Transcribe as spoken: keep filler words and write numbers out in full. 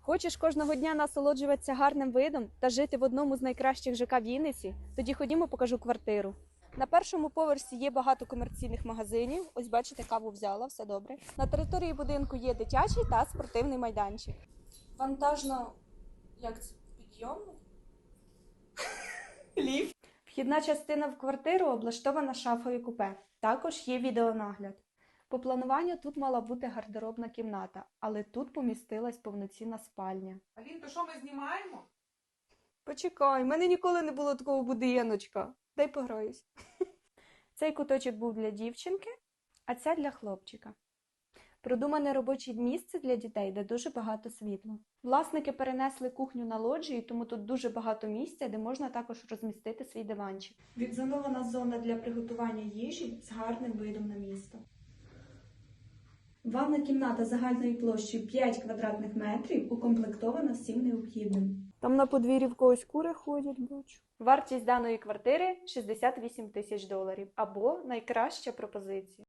Хочеш кожного дня насолоджуватися гарним видом та жити в одному з найкращих ЖК Вінниці? Тоді ходімо, покажу квартиру. На першому поверсі є багато комерційних магазинів. Ось бачите, каву взяла, все добре. На території будинку є дитячий та спортивний майданчик. Вантажно, як це, підйомник? Ліфт. Вхідна частина в квартиру облаштована шафою купе. Також є відеонагляд. По плануванню тут мала бути гардеробна кімната, але тут помістилась повноцінна спальня. Алін, то що ми знімаємо? Почекай, в мене ніколи не було такого будиночка. Дай пограюсь. Цей куточок був для дівчинки, а це для хлопчика. Продумане робоче місце для дітей, де дуже багато світла. Власники перенесли кухню на лоджію, тому тут дуже багато місця, де можна також розмістити свій диванчик. Відзонована зона для приготування їжі з гарним видом на місто. Ванна кімната загальною площею п'ять квадратних метрів, укомплектована всім необхідним. Там на подвір'ї в когось кури ходять, бачу. Вартість даної квартири – шістдесят вісім тисяч доларів, або найкраща пропозиція.